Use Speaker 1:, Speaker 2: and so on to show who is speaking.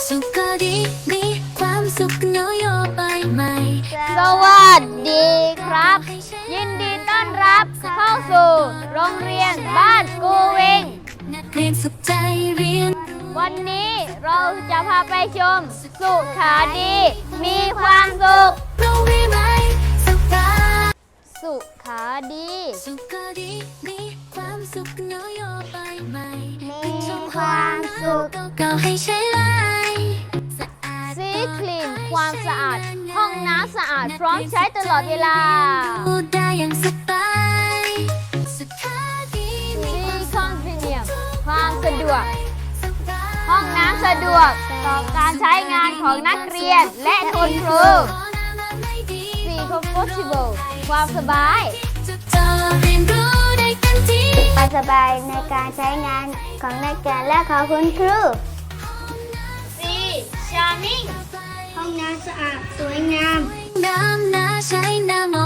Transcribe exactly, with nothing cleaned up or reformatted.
Speaker 1: สุขก็ดีมีความสุขนโยบายใหม่
Speaker 2: สวัสดีครับ ยินดีต้อนรับเข้าสู่โรงเรียนบ้านกูวิง
Speaker 1: นักเรียนสุขใจเรียน
Speaker 2: วันนี้เราจะพาไปชมสุขาดี มีความสุข
Speaker 1: โรงเรียนใหม่สุขา
Speaker 2: สุขาดี
Speaker 1: สุขก็ดีมีความสุขนโยบายใหม่
Speaker 2: มีความสุข
Speaker 1: เก่าๆให้ใช้ไล
Speaker 2: ซีคลีนความสะอาดห้องน้ำสะอาดพร้อมใช้ตลอดเวลา
Speaker 1: พูดได้อย่างสบายสุขาดี
Speaker 2: ซีคอนเนียมความสะดวกห้องน้ำสะดวกต่อการใช้งานของนักเรียนและคุณครูซีคอมฟอร์ทเบิลความสบาย
Speaker 3: ความสบายในการใช้งานของนักเรียนและของคุณครู
Speaker 2: ซีชาร์มิ่ง
Speaker 3: ห้องน้ำสะอาดสวยงาม
Speaker 1: น้ำน่าใช้น้ำ